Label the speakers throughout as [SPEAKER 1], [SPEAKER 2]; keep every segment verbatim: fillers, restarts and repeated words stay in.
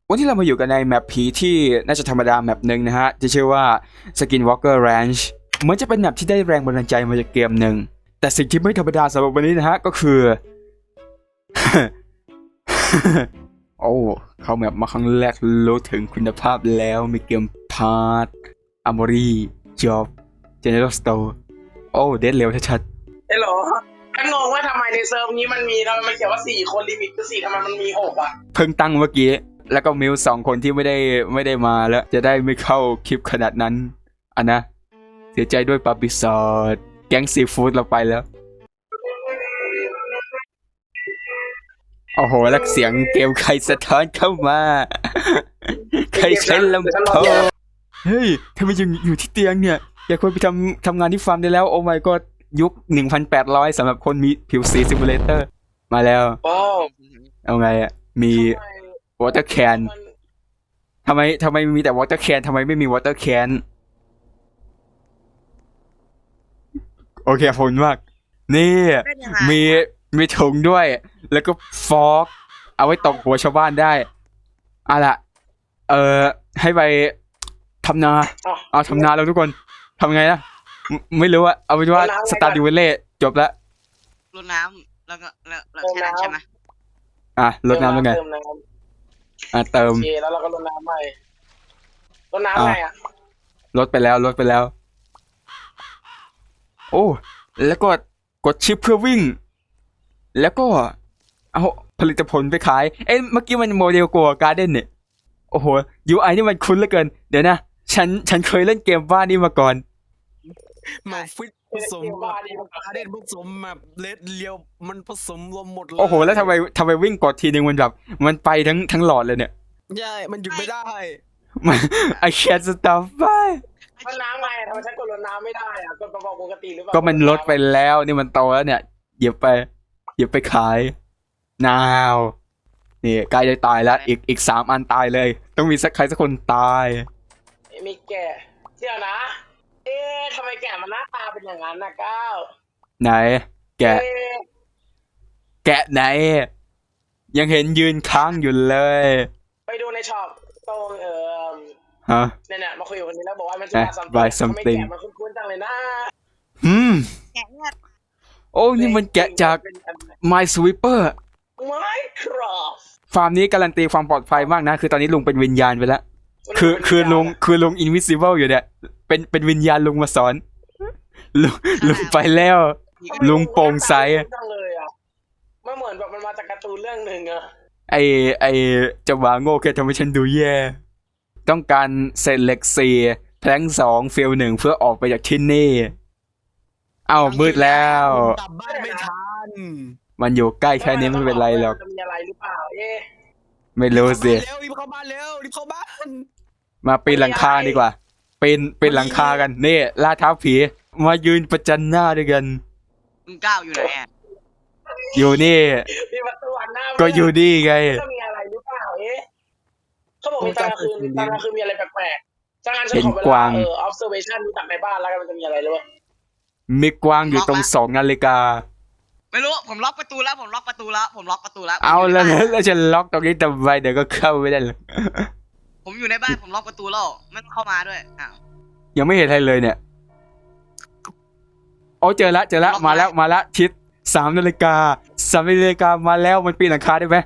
[SPEAKER 1] วันที่เรามาอยู่กันในแมปผีที่น่าจะธรรมดาแมปหนึ่งนะฮะที่ชื่อว่า Skinwalker Ranch เหมือนจะเป็นแมปที่ได้แรงบันดาลใจมาจากเกมหนึ่งแต่สิ่งที่ไม่ธรรมดาสำหรับวันนี้นะฮะก็คือ โอ้เข้าแมปมาครั้งแรกรู้ถึงคุณภาพแล้วมีเกมพาร์ทอาร์มอรี่จ็อบเจเนอเรลสโตร์โอ้เดดเร็วชัดๆ
[SPEAKER 2] เฮ้ยเหรอฉันงงว่าทำไมในเซิร์ฟนี้มันมีทำไมมันเขียนว่าสี่คนลิมิตคือสี่ทำไมมันมีหกอ่ะ
[SPEAKER 1] เพิ่งตั้งเมื่อกี้แล้วก็มิวสองคนที่ไม่ได้ไม่ได้มาแล้วจะได้ไม่เข้าคลิปขนาดนั้นอ่ะนะเสียใจด้วยปาปิซอดแก๊งซีฟู้ดเราไปแล้วโอ้โหแล้วเสียงเกมใครสะท้อนเข้ามาใครใช้ลำโพงเฮ้ยทำไมยังอยู่ที่เตียงเนี่ยอยากควรไปทำทำงานที่ฟาร์มได้แล้วโอ้ my god ยุค หนึ่งพันแปดร้อย สำหรับคนมีผิวสีซิมูเลเตอร์มาแล้ว
[SPEAKER 2] โอ้
[SPEAKER 1] เอาไงอ่ะมีวอเตอร์แคนทำไมทำไมมีแต่วอเตอร์แคนทำไมไม่มีวอเตอร์แคนโอเคผลมากนี่มีมีถุงด้วยแล้วก็ฟอกเอาไว้ตบหัวชาวบ้านได้เอาล่ะเออให้ไปทำนาเอาทำนาแล้วทุกคนทำไงนะไม่ไม่รู้อะเอาเป็นว่าสตาร์ดิวเล่จบแล้ว
[SPEAKER 3] รดน้ำแล้วก็แล้วแล้วแค่นั้นใช่ไหม
[SPEAKER 1] อ่ะรดน้ำแล้วไงอ่ะเติม
[SPEAKER 2] โอเคแล้วเราก็รดน้ำใหม่รดน้ำไงอ่ะ
[SPEAKER 1] ลดไปแล้วลดไปแล้วโอ้แล้วก็กดชิปเพื่อวิ่งแล้วก็เอาผลิตผลไปขายเอ้ยเมื่อกี้มันโมเดลกัวการ์เด้นเนี่ยโอ้โห ยู ไอ นี่มันคุ้นเหลือเกินเดี๋ยวนะฉันฉันเคยเล่นเกมบ้านนี้มาก่อน
[SPEAKER 4] มาฟิตผสมกับการเด่นผสมแบบเลดเลียวมันผสมรวมหมดเลย
[SPEAKER 1] โอ้โหแล้วทำไมทำไมวิ่งกดทีนึงมันแบบมันไปทั้งทั้งหลอดเลยเนี่ย
[SPEAKER 4] ใช่มันหยุดไม่ได้
[SPEAKER 1] มัน I can't stop ไป
[SPEAKER 2] รดน้ำไงทำไมฉันกดรดน้ำไม่ได้อ่ะกดกระบอกปกติหรือเปล่า
[SPEAKER 1] ก็มันลดไปแล้วนี่มันโตแล้วเนี่ยหยิบไปหยิบไปขายนาวนี่ใกล้จะตายแล้วอีกอีกสามอันตายเลยต้องมีสักใครสักคนตาย
[SPEAKER 2] มีแก่เดี๋ยวนะเอ๊ะทำไมแก่มันหน้าตาเป็นอย่างนั้นนะก้าว
[SPEAKER 1] ไหนแกะแกะไหนยังเห็นยืนค้างอยู่เลย
[SPEAKER 2] ไปดูในช็อปตรงเอ่อ
[SPEAKER 1] ฮะ
[SPEAKER 2] เนี่ยเนี่ยมาคุยกับคนนี้แล้วบอกว่ามันจะมาซัมติงทำไมแกะมันคุ้นๆจังเลยนะ
[SPEAKER 1] อืม
[SPEAKER 3] แกะเนี่ย
[SPEAKER 1] โอ้นี่มันแกะจาก Minesweeper
[SPEAKER 2] ไม่ครับ
[SPEAKER 1] ฟาร์มนี้การันตีความปลอดภัยมากนะคือตอนนี้ลุงเป็นวิญญาณไปแล้วคือคือลุงคือลุง Invisible อยู่เนี่ยเป็นเป็นวิญญาณลุงมาสอนลุงลุงไปแล้วลุงโปร่งใส
[SPEAKER 2] มันเหมือนแบบมันมาจากการ์ตูนเรื่องหนึ่งอะ
[SPEAKER 1] ไอไอจะวางโง่แค่ทำให้ฉันดูแย่ต้องการเศษเหล็กสี่แพลงสองเฟลหนึ่งเพื่อออกไปจากที่นี่เอ้ามืดแล้ว
[SPEAKER 4] กลับบ้านไม่ทัน
[SPEAKER 1] มันอยู่ใกล้แค่นี้ไม่เป็นไรหรอก
[SPEAKER 2] จะมีอะไรหรือเปล่าเอ๊ะ
[SPEAKER 1] ไม่รู้สิ
[SPEAKER 4] รีบเข้าบ้านเร็วรีบเข้าบ้าน
[SPEAKER 1] มาปีนหลังคาดีกว่าปีนปีนหลังคากันนี่ล่าท้าผีมายืนประจันหน้าด้วยกัน
[SPEAKER 3] มึงก้าวอยู่ไหนอ่ะ
[SPEAKER 1] อยู่นี่ก็อยู่นี่ไง
[SPEAKER 2] จะมีอะไรหรือเปล่าเอ๊ะเขาบอกมีตอนกลางคืนตอนกลางคืนมีอะไรแปลกๆจากนั้นฉันขอเวลาเออ observation ดูจากในบ้านแล้วกันมันจะมีอะไรหรือเปล่า
[SPEAKER 1] มีกวางอยู่ตรงสองนาฬิกา
[SPEAKER 3] ไม่รู้ผมล็อกประตูแล้วผมล็อกประตูแล้วผมล็อกประตูแล้ว
[SPEAKER 1] เอาแล้วแล้วจะล็อกตรงนี้ทำไมเดี๋ยวก็เข้าไม่ได้เลย
[SPEAKER 3] ผมอยู่ในบ้านผมล็อกประตูแล้วไม่ต้องเข้ามาด้วยอ้าว
[SPEAKER 1] ยังไม่เห็นอะไรเลยเนี่ยโอ้เจอละเจอละมาแล้วมาละชิดสามนาฬิกาสามนาฬิกามาแล้วมันปีนหลังคาได้ไหม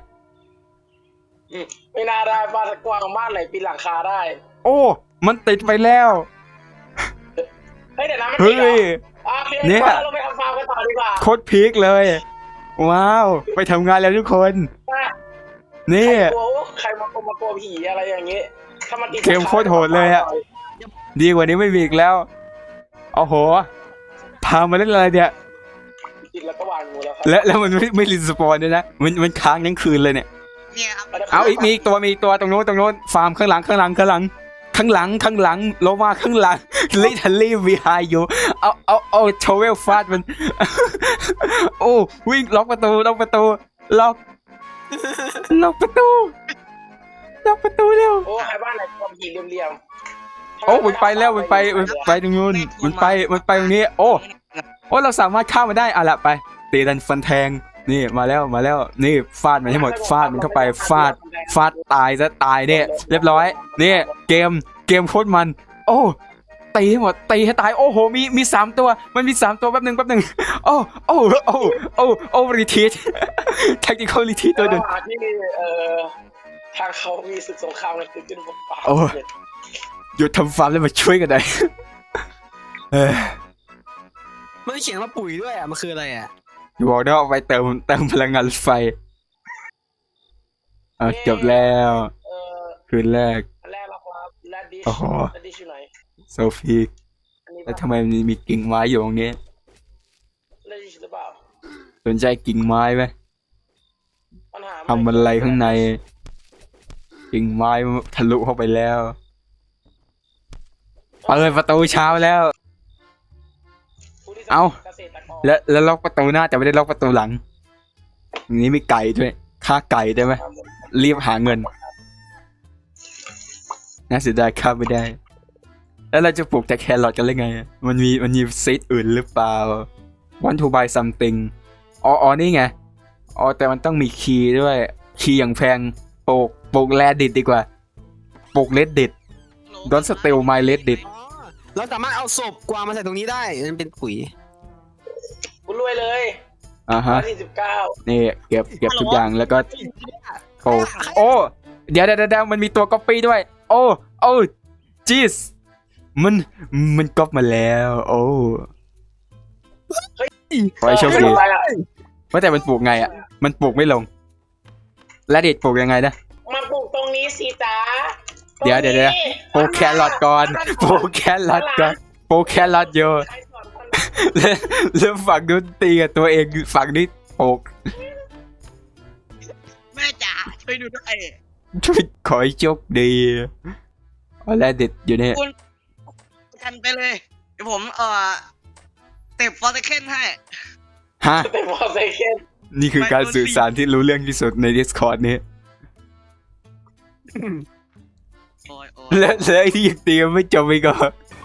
[SPEAKER 2] ไม่น่าได้บ้านกว้างบ้านไหนปีนหลังคาได้
[SPEAKER 1] โอ้มันติดไปแล้ว
[SPEAKER 2] เฮ้ยเดี๋ยวนะมันติดเหรอเนี่ยเราไปทำฟาร์มกันต่อดีกว่า
[SPEAKER 1] โคตรพีคเลยว้าวไปทำงานแล้วทุกคนนี่
[SPEAKER 2] ใครมากลัวมากลัวผีอะไรอย่างงี้ถ้ามันติด
[SPEAKER 1] เกมโคตรโหดเลยอะดีกว่านี้ไม่มีอีกแล้วโอ้โหพามาเล่นอะไรเนี่ย
[SPEAKER 2] ติดแล้วก็วางงูแล้ว
[SPEAKER 1] และแล้วมันไม่ไม่รีสปอนด้วยนะมันมันค้างทั้งคืนเลยเนี่ยเอาอีกมีตัวมีตัวตรงโน้นตรงโน้นฟาร์มข้างหลังข้างหลังข้างหลังข้างหลังข้างหลังโลมาข้างหลัง literally behind you เอาเอาเอาโชเวลฟาดมันโอ้วิ่งล็อกประตูล็อกประตูล็อกล็อกประตูล็อกประตูเร็ว
[SPEAKER 2] โอ้ใครบ้านไหนความผีเหลี่ยม
[SPEAKER 1] ๆโอ้มันไปแล้วมันไปมันไปตรงนู้นมันไปมันไปตรงนี้โอ้โอ้เราสามารถข้ามมาได้อ่ะละไปตีดันฟันแทงนี่มาแล้วมาแล้วนี่ฟาดมันให้หมดฟาดมันเข้าไปฟาดฟาดตายซะตายเนี่ยเรียบร้อยนี่เกมเกมโคตรมัน โอ้ตีให้หมดตีให้ตายโอ้โหมีมีสามตัวมันมีสามตัวแป๊บหนึ่งแป๊บหนึ่งโอ้โอ้โอ้โอ้โอ้รีทีทแท็กติคอลรีทีทตัวหนึ่ง
[SPEAKER 2] ระหว่างที่เอ่อทางเขามีศึกสงครามอะไรเกิดขึ้นบนป่า
[SPEAKER 1] โอ้ หยุดทำฟาร์มแล้วมาช่วยกันหน่อยเออ
[SPEAKER 4] มันเขียนว่าปุ๋ยด้วยอ่ะมันคืออะไรอ่ะ
[SPEAKER 1] อย่าบอกนะเอาไปเติมเติมพลังงานรถไฟเอาจบแล้ว
[SPEAKER 2] เอ่อ
[SPEAKER 1] คืนแรก
[SPEAKER 2] อันแรกเราครับแรดดิช
[SPEAKER 1] โอ้โห
[SPEAKER 2] แรดดิชอยู่ไหน
[SPEAKER 1] โซฟีก
[SPEAKER 2] อันนี้
[SPEAKER 1] แล้ว
[SPEAKER 2] ปะ
[SPEAKER 1] ทำไมมันมีกิ่งไม้อยู่ตรงนี้
[SPEAKER 2] แรดดิชหรือเปล่า
[SPEAKER 1] สนใจกิ่งไม้ไหม
[SPEAKER 2] ปัญหา
[SPEAKER 1] ทำอะไรข้างใน กิ่งไม้ทะลุเข้าไปแล้วเปิดประตูเช้าแล้ว
[SPEAKER 2] ผู้ที่
[SPEAKER 1] เอ้า
[SPEAKER 2] เกษตรกร
[SPEAKER 1] แล้วแล้วล็อกประตูหน้าแต่ไม่ได้ล็อกประตูหลังอย่างนี้มีไก่ด้วยฆ่าไก่ได้ไหมรีบหาเงินน่าเสียดายฆ่าไม่ได้ แล้วเราจะปลูกแต่แครอทกันได้ไง มันมีมันมีซีดอื่นหรือเปล่า want to buy something อ๋ออ๋อนี่ไงอ๋อแต่มันต้องมีคีย์ด้วยคีย์อย่างแพงปลูกปลูกแรดดิดดีกว่าปลูกเลดดิด Don't steal my Reddit
[SPEAKER 4] อ๋อเราสามารถเอาศพกวางมาใส่ตรงนี้ได้มันเป็นปุ๋ย
[SPEAKER 2] คุณรวยเลย
[SPEAKER 1] อ่าฮะ
[SPEAKER 2] สี่สิบเก้า
[SPEAKER 1] นี่เก็บเก็บทุกอย่างแล้วก็ปลูกโอ้เดี๋ยวเดี๋ยวเดี๋ยวมันมีตัวก๊อปปี้ด้วย โอ้โอ้จีสมันมันก๊อปมาแล้ว โอ้ขอให้โชคดี
[SPEAKER 2] ไม่เป็นไรอะ
[SPEAKER 1] ว่าแต่มันปลูกไงอ่ะ มันปลูกไม่ลง และเด็ดปลูกยังไงนะ
[SPEAKER 2] มาปลูกตรงนี้สิจ๊ะ
[SPEAKER 1] เดี๋ยวเดี๋ยวเดี๋ยว ปลูกแครอทก่อนปลูกแครอทก่อนปลูกแครอทเยอะ
[SPEAKER 2] ใครสอนคน
[SPEAKER 1] แล้วแล้วฝั่งนู้นตีกับตัวเองฝั่งนี้ปลูก
[SPEAKER 3] แม่จ๋าช่วยดูด้วย
[SPEAKER 1] ช่วยขอให้โชคดีเอาและเด็ดอยู่เนี่ย
[SPEAKER 3] ทันไปเลย เดี๋ยวผมเอ่อเต็บฟอร์เซเคนให้
[SPEAKER 1] ฮะ
[SPEAKER 2] แต่พอเซเคน
[SPEAKER 1] นี่คือการสื่อสารที่รู้เรื่องที่สุดใน Discord นี้
[SPEAKER 3] โอ้ยโอ้ย
[SPEAKER 1] และและไอ้ที่ยังตีกันไม่จบอีกเหรอ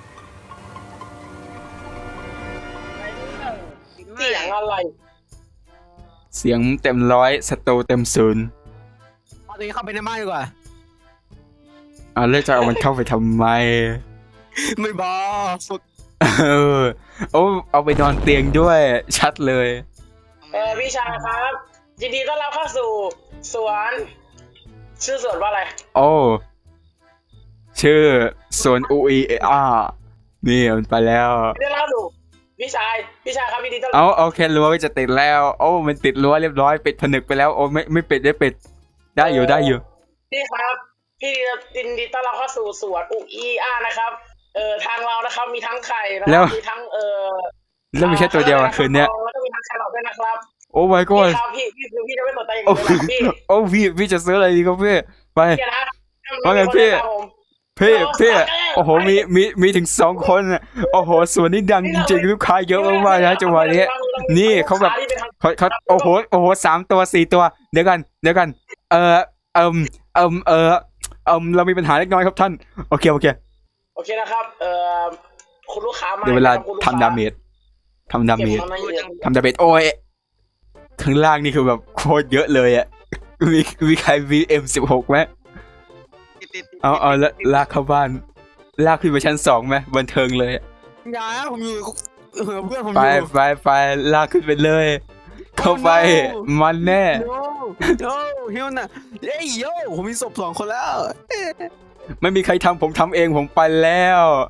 [SPEAKER 2] เสียงอะไร
[SPEAKER 1] เสียงเต็มร้อยสโตเต็มศูนย์
[SPEAKER 4] เอาตัวนี้เข้าไปในบ้านดีกว่า
[SPEAKER 1] อ่าแล้วจะเอามันเข้าไปทำไม
[SPEAKER 4] ไม่บอกฝึก
[SPEAKER 1] เออโอ้เอาไปนอนเตียงด้วยชัดเลย
[SPEAKER 2] เออพี่ชายครับยินดีต้อนรับเข้าสู่สวนชื่อสวนว่าอะไร
[SPEAKER 1] โอ้ชื่อสวนอูอีอานี่มันไปแล้ว
[SPEAKER 2] ยินดีต้อนรับสู่พี่ชายพี่ชายครับยินดีต้อนรับ
[SPEAKER 1] เอาเอาแค่รั้วจะติดแล้ว โอ้มันติดรั้วเรียบร้อยปิดผนึกไปแล้วโอ้ไม่ไม่ปิดได้ปิดได้อยู่ได้อยู่
[SPEAKER 2] พี่ครับพี่ยินดีต้อนรับเข้าสู่สวนอุอีอานะครับเอ่อทางเรานะครับมีทั้งไข่นะค
[SPEAKER 1] แล้
[SPEAKER 2] รั
[SPEAKER 1] ว
[SPEAKER 2] บมีทั้งเอ่อ
[SPEAKER 1] แล้วมีแค่ตัวเดียวอะคืนเนี้ย
[SPEAKER 2] แล้วก็มีทั้งแครอทด้วยนะครับ
[SPEAKER 1] โอ้ my
[SPEAKER 2] พี่
[SPEAKER 1] god
[SPEAKER 2] ครับพี่พี่คือพี่จะไม่สนใจอย่าง
[SPEAKER 1] โอ้
[SPEAKER 2] อื่นเลยนะพี่
[SPEAKER 1] โอ้พี่พี่จะซื้ออะไรดีครับพี่ไป
[SPEAKER 2] พี่นะ
[SPEAKER 1] ว่าไงพี่
[SPEAKER 2] ครับผม
[SPEAKER 1] พี่พี่โอ้โหมีมีมีถึงสองคนอะโอ้โหส่วนนี้ดังจริงๆลูกค้าเยอะมากๆนะจังหวะนี้ นี่เขาแบบ เขาเขาโอ้โหโอ้โหสามตัวสี่ตัวเดี๋ยวกันเดี๋ยวกันเออเอิมเอิมเออเอิมเรามีปัญหาเล็กน้อยครับท่านโอเคโอเค
[SPEAKER 2] โอเคนะครับเอ่อคุณลูกค้ามา
[SPEAKER 1] เดี๋ยวเวลา
[SPEAKER 2] คุณกค้
[SPEAKER 1] ทำดาเมจทำดาเมจ
[SPEAKER 2] เก็บของในเดือน
[SPEAKER 1] ทำดาเมจโอ้ยข้างล่างนี่คือแบบโคตรเยอะเลยอ่ะมีมีใครมีเอ็มสิบหกไหม
[SPEAKER 3] ติดติดติด
[SPEAKER 1] เอาเอาละลากเข้าบ้านลากขึ้นไปชั้นสองไหมบันเทิงเลยอะ
[SPEAKER 4] อย่าผมอยู่เออเพื่อนผมอ
[SPEAKER 1] ไป
[SPEAKER 4] ยู่
[SPEAKER 1] ไปไปลากขึ้นไปเลย เข้าไปมันแน่
[SPEAKER 4] โน้โน้เฮียน่ะเอ้ยโยผมมีศพสองคนแล้ว
[SPEAKER 1] ไม่มีใครทำผมทำเองผมไปแล้ว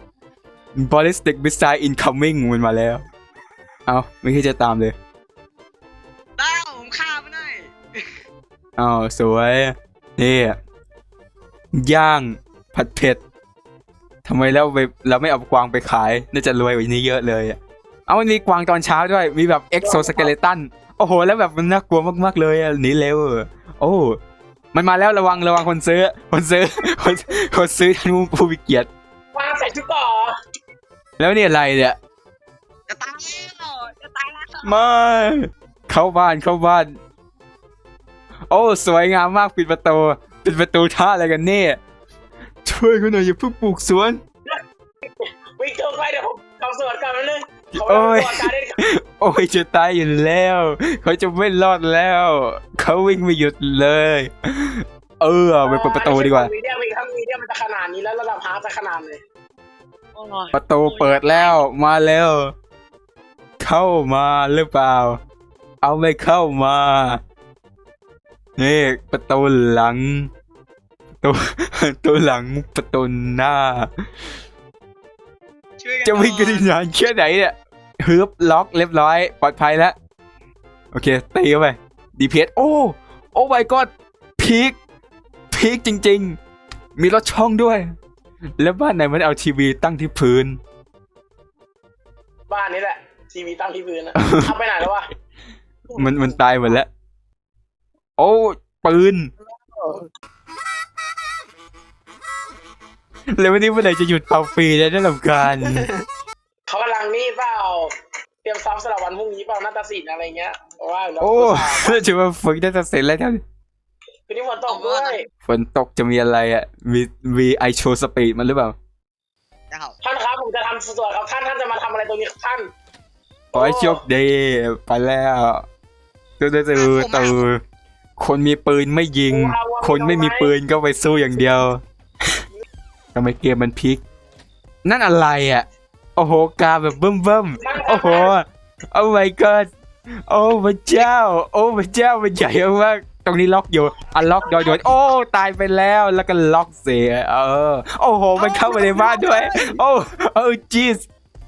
[SPEAKER 1] ballistic missile incoming มันมาแล้ว เอาไม่คิดจะตามเลย
[SPEAKER 3] ได้ผมฆ่าไม่ได้
[SPEAKER 1] อ้าวสวยนี่ย่างผัดเผ็ดทำไมแล้วไปเราไม่เอากวางไปขายน่าจะรวยกว่านี้เยอะเลยอะเอามันมีกวางตอนเช้าด้วยมีแบบ exoskeleton โอ้โหแล้วแบบมันน่ากลัวมากๆเลยอะหนีเร็วโอ้มันมาแล้วระวังระวังคนซื้อคนซื้อคนคนซื้อท่านผู้มีเกียรติ
[SPEAKER 2] วางใส่ชุดต่อ
[SPEAKER 1] แล้วนี่อะไรเนี่ย
[SPEAKER 3] จะตายแล้วจะตายแล้ว
[SPEAKER 1] ไม่เข้าบ้านเข้าบ้าน โอ้สวยงามมากปิดประตูปิดประตูท่าอะไรกันเนี่ยช่วยกันหน่อยอย่าเพิ่งปลูกสวน
[SPEAKER 2] วิ่งตรงไปเดี๋ยวผมทำสวนก่อนนิดนึงเขา
[SPEAKER 1] โอ้ย
[SPEAKER 2] ตัวการเด่น
[SPEAKER 1] โอ้ยจะตายอยู่แล้ว เขาจะไม่รอดแล้ว เขาวิ่งไม่หยุดเลย เออไปเปิดประตูดีกว่า
[SPEAKER 2] มีเดียมีทั้งมีเดียมันจะขนาดนี้แล้วระดับฮาร์ดจะขนาดไหน
[SPEAKER 3] โอ้ย
[SPEAKER 1] ประตูเปิดแล้วมาแล้ว เข้ามาหรือเปล่า เอาไม่เข้ามานี่ประตูหลังประตูประตูหลังประตูหน้า
[SPEAKER 3] ช่วยกัน
[SPEAKER 1] จะวิ่งกันนานแค่ไหนเนี่ยฮึบล็อกเรียบร้อยปลอดภัยแล้ว โอเคตีเข้าไปดีเพสโอ้โอ้ my god พีคพีคจริงๆ มีรถช่องด้วย แล้วบ้านไหนมันเอาทีวีตั้งที่พื้น
[SPEAKER 2] บ้านนี้แหละทีวีตั้งที่พื้นนะเอาไปไหนแล้ววะ
[SPEAKER 1] มันมันตายหมดแล้ว โอ้ปืนแล้ววันนี้เมื่อไหร่จะหยุดเป่าปีได้ได้ลำการ
[SPEAKER 2] เขากำลังนี่เปล่าเตรียมซ้อมสำหรับวันพรุ่งนี้เปล่านาฏศิลป์อะไรเงี้ยว่าแล้ว
[SPEAKER 1] โอ้ถือว่าฝึกได้จะเสร็จแล้วท่าน
[SPEAKER 2] คืนนี้ฝนตกด้วย
[SPEAKER 1] ฝนตกจะมีอะไรอ่ะ มีมีไอโชว์สปีดมันหรือเปล่า
[SPEAKER 3] จะเข้า
[SPEAKER 2] ท่านครับผมจะทำสวนครับท่านท่านจะมาทำอะไรตรงนี้ครับท่าน
[SPEAKER 1] ขอให้โชคดีไปแล้วตูตูตูตูคนมีปืนไม่ยิง คนไม่มีปืนก็ไปสู้อย่างเดียวทำไมเกมมันพลิก นั่นอะไรอ่ะ โอ้โหกาแบบเบิ่มเบิ่มโอ้โหโอ้ my god โอ้พระเจ้า โอ้พระเจ้ามันใหญ่มากตรงนี้ล็อกอยู่อันล็อกโดยโดยโอ้ตายไปแล้วแล้วก็ล็อกเสียเออโอ้โหมันเข้ามาในบ้านด้วย โอ้โอ้จีส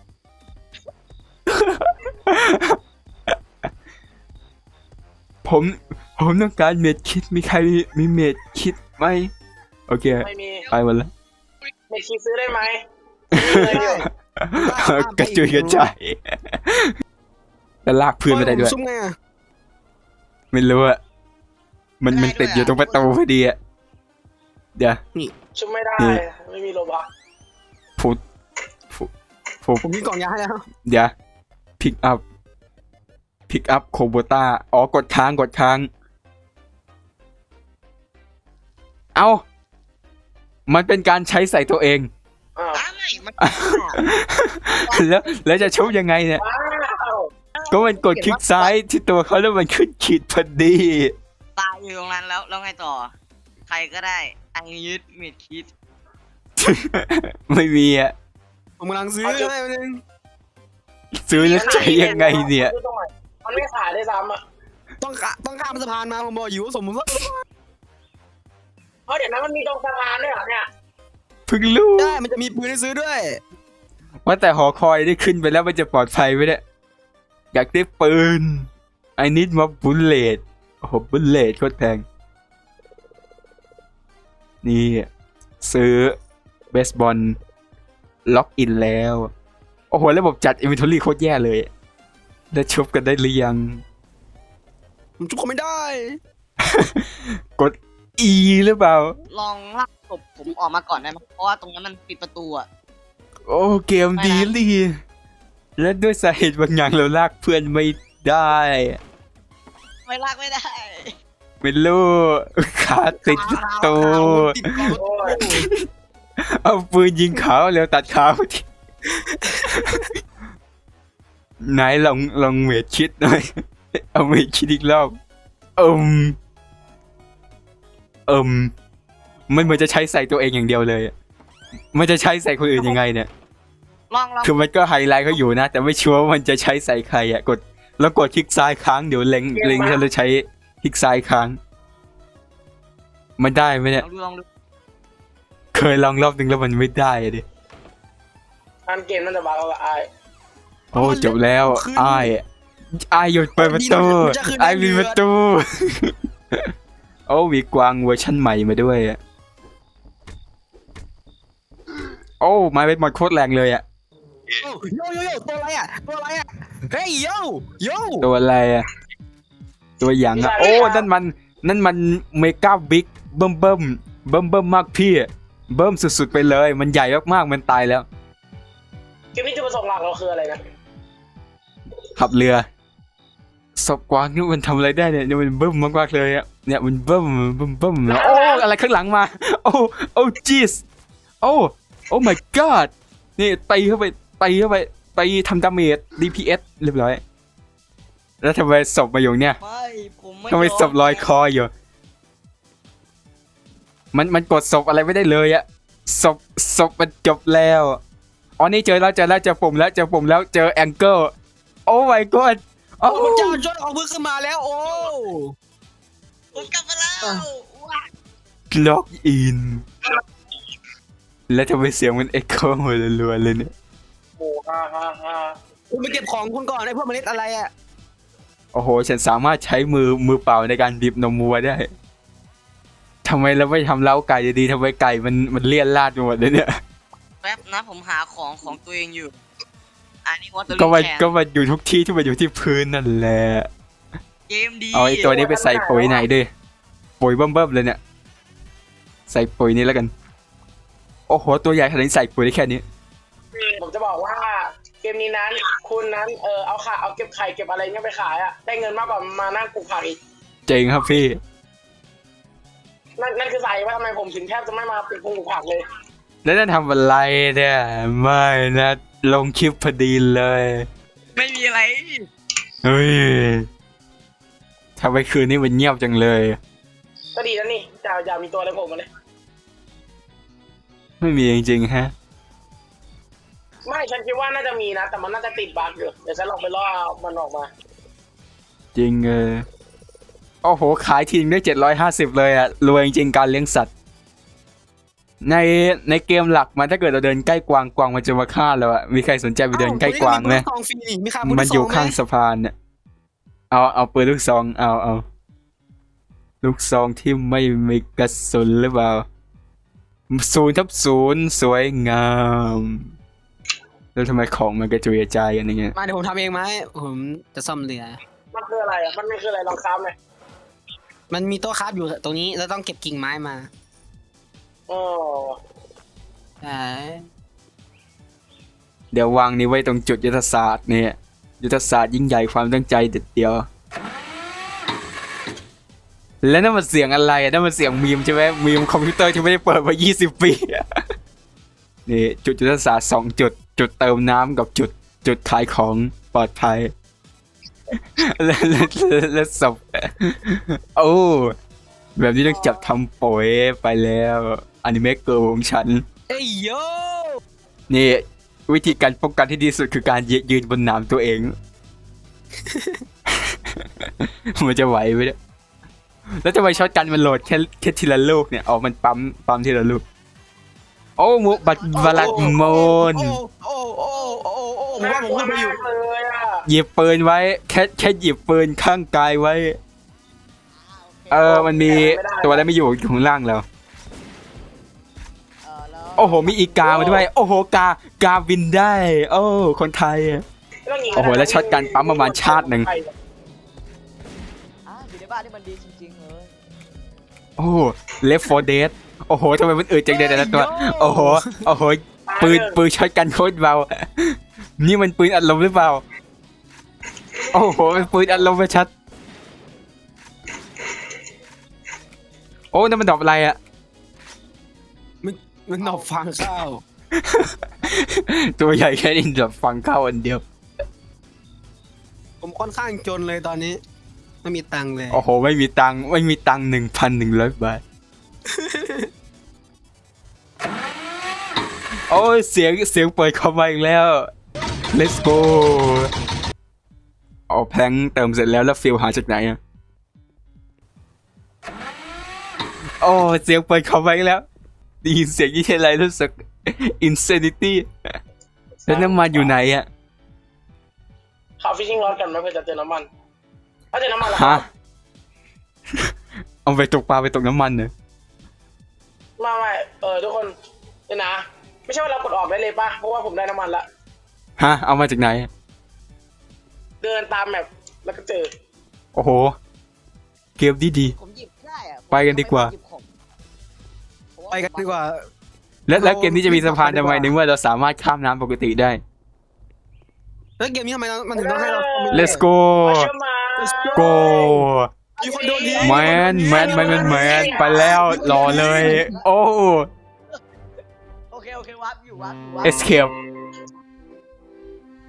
[SPEAKER 1] ผมผมต้องการเม็ดคิดมีใครมีมีเม็ดคิดไหมโอเค
[SPEAKER 2] ไม่มี
[SPEAKER 1] ไปหมดแล้ว
[SPEAKER 2] ไม่คิดซื้อได้ไหมซื้อเลยเดี๋ยว
[SPEAKER 1] กระจุยกระจายแล้วลากพื้นไม่ได้ด้วย
[SPEAKER 4] ซุ่มไงอะ
[SPEAKER 1] ไม่รู้อะมันมันติดอยู่ตรงประตูพอดีอะเดี๋ยว
[SPEAKER 2] ชุบไม่ได้ไม่มีโลบัก
[SPEAKER 1] พูดพูดพูด
[SPEAKER 4] ผมมีกล่องยาให้แล้ว
[SPEAKER 1] เดี๋ยวพิกอัพพิกอัพโคโบต้าอ๋อกดค้างกดค้าง เอามันเป็นการใช้ใส่ตัวเอง
[SPEAKER 2] อ้าว
[SPEAKER 3] อ้าวไม่มัน
[SPEAKER 1] แล้วแล้วจะชุบยังไงเนี่ย
[SPEAKER 2] ว้าว
[SPEAKER 1] ก็มันกดคลิกซ้ายที่ตัวเขาแล้วมันขึ้นขีดพอดี
[SPEAKER 3] ตายอยู่ตรงนั้นแล้วแล้วไงต่อ ใครก็ได้อังยึดเม็ดคิด
[SPEAKER 1] ไม่มีอะ
[SPEAKER 4] ผมกำลังซื้อให้มันง
[SPEAKER 1] ซื้อแล้วใช้ยังไงเนี่ย
[SPEAKER 2] มันไม่ขายได้ซ้ำอ่ะ
[SPEAKER 4] ต้องข้าต้องข้ามสะพานมาผมบอกอยู่ว่าสมมติว่า
[SPEAKER 2] เพราะเดี๋ยวนั้นมันมีตรงสะพานด้วยเหรอเนี่ย
[SPEAKER 1] เพิ่งรู้
[SPEAKER 4] ได้มันจะมีปืนให้ซื้อด้วย
[SPEAKER 1] ว่าแต่หอคอยได้ขึ้นไปแล้วมันจะปลอดภัยไหมเนี่ยอยากได้ปืน I need more bullet โอ้โห bullet โคตรแพงนี่ซื้อเบสบอลล็อกอินแล้ว โอ้โหระบบจัด inventory โคตรแย่เลยได้ชุบกันได้หรือยัง
[SPEAKER 4] ผมจุกเขาไม่ได้
[SPEAKER 1] กด E หรือเปล่า
[SPEAKER 3] ลองลากศพผมออกมาก่อนได้ไหมเพราะว่าตรงนั้นมันปิดประตูอะ
[SPEAKER 1] โอ้เกมดีลีและด้วยสาเหตุบางอย่างเราลากเพื่อนไม่ได้
[SPEAKER 3] ไม่ลากไม่ได้
[SPEAKER 1] ไม่รู้ขาติดประตู
[SPEAKER 4] ติดกล่อง
[SPEAKER 2] โอ้ย
[SPEAKER 1] เอาปืนยิงเขาแล้วตัดขาที ไหนลองลองเมดคิดหน่อย เอาเมดคิดอีกรอบเอิมเอิมมันเหมือนจะใช้ใส่ตัวเองอย่างเดียวเลยอะมันจะใช้ใส่คนอื่นยังไงเนี่ย
[SPEAKER 3] ลองลอง
[SPEAKER 1] คือมันก็ไฮไลท์เขาอยู่นะ แต่ไม่ชัวร์ว่ามันจะใช้ใส่ใครอ่ะกดแล้วกดคลิกซ้ายค้างเดี๋ยวเล็งเล็งแล้วใช้คลิกซ้ายค้าง มันได้ไหมเนี่ย
[SPEAKER 3] ลองดูลองดู
[SPEAKER 1] เคยลองรอบนึงแล้วมันไม่ได้อะดิ
[SPEAKER 2] อันเกมนั่นจะบักแล้วไอ้
[SPEAKER 1] โอ้จบแล้วอ้ายอ้ายหยุดเปิดประตูอ้ายมีประตู โอ้มีกวางเวอร์ชั่นใหม่มาด้วยอะโอ้ไม้เบสบอลโคตรแรงเลยอ่ะ
[SPEAKER 4] โอ้โยโยโยตัวอะไรอ่ะตัวอะไรอ่ะเฮ้ยโยโย
[SPEAKER 1] ตัวอะไรอ่ะตัวอย่างอ่ะโอ้นั่นมันนั่นมันเมกาบิ๊กเบิ่มเบิ่มเบิ่มเบิ่มมากพี่เบิ่มสุดๆไปเลยมันใหญ่มากๆมันตายแล้ว
[SPEAKER 2] เกมนี้จุดประสงค์หลักเราคืออะไรนะ
[SPEAKER 1] ขับเรือศพกวางนี่มันทำอะไรได้เนี่ยเนี่ยมันเบิ่มมากๆเลยอ่ะเนี่ยมันเบิ่มเบิ่มเบิ่มโอ้อะไรข้างหลังมาโอ้โอ้จีสโอ้โอ้ my god นี่ตีเข้าไปตีเข้าไปไปทำดาเมจ ดี พี เอส เรียบร้อยแล้วทำไมศพมาอยู่เนี่ย
[SPEAKER 3] ไม่ผมไม่
[SPEAKER 1] ทำไมศพลอยคออยู่มันมันกดศพอะไรไม่ได้เลยอะศพศพมันจบแล้วอ๋อนี่เจอแล้วเจอแล้วเจอปุ่มแล้วเจอปุ่มแล้วเจอแองเกิลโอ้ my god โอ้
[SPEAKER 4] โอ้พระเจ้าจนเอามือขึ้นมาแล้วโอ้
[SPEAKER 3] ผมกลับมาแล้วว้า
[SPEAKER 1] ล็อกอินแล้วทำไมเสียงมันเอ็กโคหัวรัวๆเลยเนี่ย
[SPEAKER 2] โอ้ฮ่าฮ่าฮ่า
[SPEAKER 4] คุณไปเก็บของคุณก่อนไอ้พวกเมล็ดอะไรอ่ะ
[SPEAKER 1] โอ้โหฉันสามารถใช้มือมือเปล่าในการบีบนมวัวได้ทำไมเราไม่ทำเล้าไก่ดีๆทำไมไก่มันมันเลี่ยนลาดไปหมดเลยเนี่ย
[SPEAKER 3] แป๊บนะผมหาของของตัวเองอยู่อันนี้วอเตอร์
[SPEAKER 1] ก็มัน
[SPEAKER 3] แคน
[SPEAKER 1] ก็มันอยู่ทุกที่ที่มันอยู่ที่พื้นนั่นแหละ
[SPEAKER 3] เกมดี
[SPEAKER 1] เอาไอ้ตัวนี้ไปใส่ปุ๋ยไหนดิปุ๋ยเบิ่มๆเลยเนี่ยใส่ปุ๋ยนี้แล้วกันโอ้โหตัวใหญ่ขนาดนี้ใส่ปุ๋ยได้แค่นี้
[SPEAKER 2] ผมจะบอกว่าเกมนี้นั้นคุณนั้นเออเอาขาเอาเก็บไข่เก็บอะไรเงี้ยไปขายอะได้เงินมากกว่ามานั่งปลูกผักอีก
[SPEAKER 1] เจ๋งครับพี่
[SPEAKER 2] นั่นนั่นคือสาเหตุว่าทำไมผมถึงแทบจะไม่มาปลูกผักเลย
[SPEAKER 1] แล้วนั่นทำอะไรเนี่ยไม่นะลงคลิปพอดีเลย
[SPEAKER 3] ไม่มีอะไร
[SPEAKER 1] เฮ้ยทำไมคืนนี้มันเงียบจังเลย
[SPEAKER 2] ก็ดีแล้วนี่จะอย่ามีตัวอะไรโผล่มาเลย
[SPEAKER 1] ไม่มีจริงๆฮะ
[SPEAKER 2] ไม่ฉันคิดว่าน่าจะมีนะแต่มันน่าจะติดบั๊กอยู่เดี๋ยวฉันลองไปล่อมันออกมา
[SPEAKER 1] จริงเออโอ้โหขายทิ้งได้เจ็ดร้อยห้าสิบเลยอะรวยจริงๆการเลี้ยงสัตว์ในในเกมหลักมันถ้าเกิดเราเดินใกล้กวางกวางมันจะมาฆ่าเราอะมีใครสนใจไปเดินใกล้กวางไหม
[SPEAKER 4] เอ้าคนนี้มีปืนลูกซองฟรีนี่มีค่าปื
[SPEAKER 1] มันอยู่
[SPEAKER 4] ลูกซ
[SPEAKER 1] ข้าง
[SPEAKER 4] ไหม
[SPEAKER 1] สะพานเนี่ยเอาเอาปืนลูกซองเอาเอาลูกซองที่ไม่มีกระสุนหรือเปล่าศูนย์ทับศูนย์สวยงามแล้วทำไมของมันกระจุยกระจายกันอย่างเงี้ย
[SPEAKER 4] มาเดี๋ยวผมทำเองไหมผมจะซ่อมเรือ
[SPEAKER 2] มันคืออะไรอ่ะมันไม่คืออะไรลองค้ำเลย
[SPEAKER 4] มันมีโต๊ะคราฟอยู่ตรงนี้แล้วต้องเก็บกิ่งไม้มา
[SPEAKER 2] อ๋อ
[SPEAKER 4] ใช่
[SPEAKER 1] เดี๋ยววางนี้ไว้ตรงจุดยุทธศาสตร์เนี่ยยุทธศาสตร์ยิ่งใหญ่ความตั้งใจเด็ดเดียวแล้วนั่นมันเสียงอะไรอ่ะนั่นมันเสียงมีมใช่ไหมมีมคอมพิวเตอร์ที่ไม่ได้เปิดมายี่สิบปีนี่จุดยุทธศาสตร์สองจุดจุดเติมน้ำกับจุดจุดขายของปลอดภัยแล้วแล้วแล้วศพโอ้แบบนี้ต้องจับทำปุ๋ยไปแล้วอนิเมะเกิร์ลของฉัน
[SPEAKER 4] เอ้ยโย
[SPEAKER 1] นี่วิธีการป้องกันที่ดีสุดคือการยืยืนบนหนามตัวเอง มันจะไหวไหมเนี่ยแล้วทำไมช็อตกันมันโหลดแค่แค่ทีละลูกเนี่ยเอามันปั๊มปั๊มทีละลูกโอ้มุบัตบาลัดโมน
[SPEAKER 4] โอ้โอ้โอ้โอ้โอ้ผมว่าผมขึ้นไปอยู่
[SPEAKER 2] น่ากลัวมากเลยอ่ะ
[SPEAKER 1] หยิบปืนไว้แค่แค่หยิบปืนข้างกายไว้เออมันมีตัวอะไรไม่อยู่อยู่ข้างล่างแล้ว
[SPEAKER 3] เออแล้ว
[SPEAKER 1] โอ้โหมีอีกามาด้วยโอ้โหกากาบินได้ โอ้คนไทย
[SPEAKER 2] ไม่ต้งยิง
[SPEAKER 1] โอ้โหแล้วช็อตกันปั๊มประมาณชาติหนึ่ง
[SPEAKER 3] อ่ะอยู่ในบ้านนี่มันดีจริงๆเลย
[SPEAKER 1] โอ้เลฟโฟเดสโอ้โหทำไมมันอืดจังเลยแต่ละตัวโอ้โหโอ้โหปืนปืนช็อตกันโคตรเบานี่มันปืนอัดลมหรือเปล่าโอ้โหเป็นปืนอัดลมไปชัดโอ้นั่นมันดอกอะไรอะ
[SPEAKER 4] มันมันหนอบฟังข้าว
[SPEAKER 1] ตัวใหญ่แค่นี้ดอกฟังเข้าอันเดียว
[SPEAKER 4] ผมค่อนข้างจนเลยตอนนี้ไม่มีตังค์เลย
[SPEAKER 1] โอ้โหไม่มีตังค์ไม่มีตังค์หนึ่งพันหนึ่งร้อยบาทโอ้ยเสียงเสียงเปิดเข้ามาอีกแล้ว let's go เอาแพลงเติมเสร็จแล้วแล้วฟิลหาจากไหนอะโอ้เสียงเปิดเข้ามาอีกแล้วได้ยินเสียงยี่อะไรรู้สึก insanity แล้วน้ำมันอยู่ไหนอะ
[SPEAKER 2] ขับฟิชชิ่งรถกันไหมเพื่อจะเจอน้ำมันถ้าเจอน้ำมันแล้ว
[SPEAKER 1] ฮะ เอาไปตกปลาไปตกน้ำมันเนอะ
[SPEAKER 2] มาไม่เออทุกคนเดี๋ยวนะไม่ใช่ว่าเรากดออกได้เลยป่ะเพราะว่าผมได้น้ำมันละ
[SPEAKER 1] ฮะเอามาจากไหน
[SPEAKER 2] เดินตามแมปแล้วก็เจอ
[SPEAKER 1] โอ้โหเกมดีดี
[SPEAKER 3] ผมหยิบได้อะ
[SPEAKER 1] ไปกันดีกว่า
[SPEAKER 3] หยิบของ
[SPEAKER 4] ไปกันดีกว่า
[SPEAKER 1] แล้วแล้วเกมนี้จะมีสะพานทำไมในเมื่อเราสามารถข้ามน้ำปกติได้
[SPEAKER 4] แล้วเกมนี้ทำไมมันถึงต้องให้เรา
[SPEAKER 1] let's go
[SPEAKER 2] เชื่อมา
[SPEAKER 1] go
[SPEAKER 4] มีคนโดนยิง
[SPEAKER 1] แมนแมนแมนแมนแมนไปแล้วรอเลย โอ้
[SPEAKER 3] โอเคโอเควับอยู่วับอยู่วับ
[SPEAKER 1] escape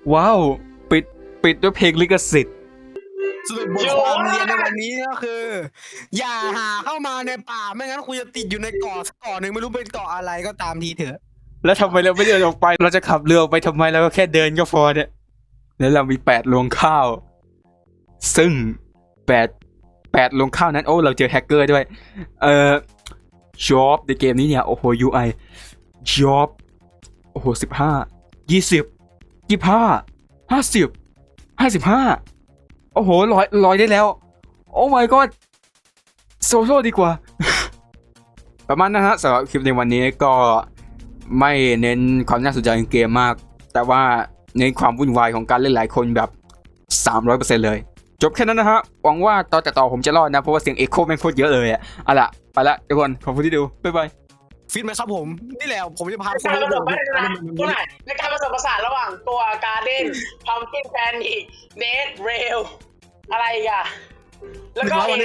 [SPEAKER 1] ว้าว ปิดปิดด้วยเพลงลิขสิทธิ์
[SPEAKER 4] สรุปบทความเรียนในวันนี้ก็คือ อย่าหาเข้ามาในป่าไม่งั้นคุณจะติดอยู่ในเกาะสักเกาะหนึ่งไม่รู้เป็นเกาะอะไรก็ตามทีเถอะ
[SPEAKER 1] แล้วทำไมเราไม่เดินออกไป เราจะขับเรือออกไปทำไมเราก็แค่เดินก็พอเนี่ย แล้วเรามีแปดรวงข้าว ซึ่งแปดแปดรวงข้าวนั้น โอ้ เราเจอแฮกเกอร์ด้วย เอ่อ job ในเกมนี้เนี่ย โอ้โห ยู ไอ job โอ้โหสิบห้า ยี่สิบ ยี่สิบห้า ห้าสิบ ห้าสิบห้า โอ้โหร้อยร้อยได้แล้ว โอ้ my god โซโซดีกว่า ประมาณนั้นฮะสำหรับคลิปในวันนี้ก็ไม่เน้นความน่าสนใจของเกมมาก แต่ว่าเน้นความวุ่นวายของการเล่นหลายคนแบบ สามร้อยเปอร์เซ็นต์ เลย จบแค่นั้นนะฮะ หวังว่าตอนต่อๆผมจะรอดนะ เพราะว่าเสียงเอ็กโคแม่งโคตรเยอะเลยอ่ะเอาล่ะ ไปละทุกคน ขอบคุณที่ดู บ๊ายบาย
[SPEAKER 4] ฟิตไหมครับผม นี่แหละผมจะพา
[SPEAKER 2] ใน
[SPEAKER 4] คุณ
[SPEAKER 2] การผ
[SPEAKER 4] ไป
[SPEAKER 2] ส
[SPEAKER 4] ดู
[SPEAKER 2] มผสานตัวไหนในการผสมผสานระหว่างตัวการ์เด้นพัมกินแพนอีกเดทเรลอะไรอีกอะแล้วก็เอ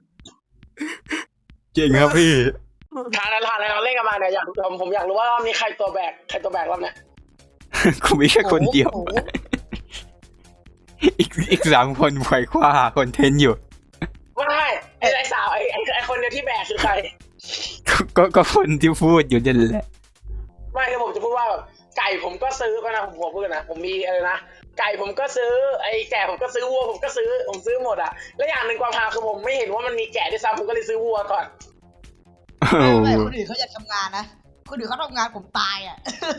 [SPEAKER 1] เก่งครับพี่
[SPEAKER 2] ทานทานอะไรเราเล่นกันมาเนี่ยอยากผมผมอยากรู้ว่ารอบนี้ใครตัวแบกใครตัวแบกรอบเนี้ย
[SPEAKER 1] กูมีแค่คนเดียว
[SPEAKER 2] โอ้โห
[SPEAKER 1] อีกอีกสามคนไขว่คว้าหาคอนเทนต์อยู่
[SPEAKER 2] ไม่ไม่ไอ้ไอ้สาวไอ้ไอ้ไอ้คนเดียวที่แบกคือใคร
[SPEAKER 1] ก็ก็ก็คนที่พูดอยู่นั่นแหละ
[SPEAKER 2] ไม่คือผมจะพูดว่าแบบไก่ผมก็ซื้อก็นะผมผมพูดนะผมมีอะไรนะไก่ผมก็ซื้อไอ้แกะผมก็ซื้อวัวผมก็ซื้อผมซื้อหมดอะและอย่างหนึ่งความฮาคือผมไม่เห็นว่ามันมีแกะด้วยซ้ำผมก็เลยซื้อวัวก่อน
[SPEAKER 1] โอ้
[SPEAKER 5] ไม่
[SPEAKER 1] โห
[SPEAKER 5] ไม่คนอื่นเขาอยากทำงานนะคนอื่นเขาทำงานผมตายอ่ะ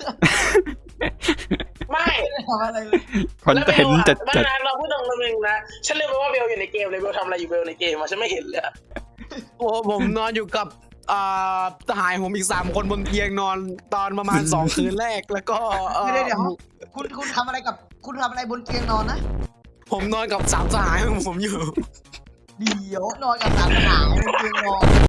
[SPEAKER 2] ไม่
[SPEAKER 5] ไม่ได้ทำอะไรเลย
[SPEAKER 1] คอนเทนต์จัด
[SPEAKER 2] ไม่
[SPEAKER 1] จัด
[SPEAKER 2] นะเราพูดตรงๆนึงนะฉันลืมไปว่าเบลอยู่ในเกมเลยเบลทำอะไรอยู่เบลในเกมอะฉันไม่เห็นเลยอะ
[SPEAKER 4] โอ้ผมนอนอยู่กับอ่าทหารผมอีกสามคนบนเตียงนอนตอนประมาณสองคืนแรกแล้วก็เอ่อ
[SPEAKER 5] เดี๋ยวเดี๋ยวคุณคุณทำอะไรกับคุณทำอะไรบนเตียงนอนนะ
[SPEAKER 4] ผมนอนกับสามทหารของผมอยู่
[SPEAKER 5] เดี๋ยวนอนกับสามทหารบนเตียงนอน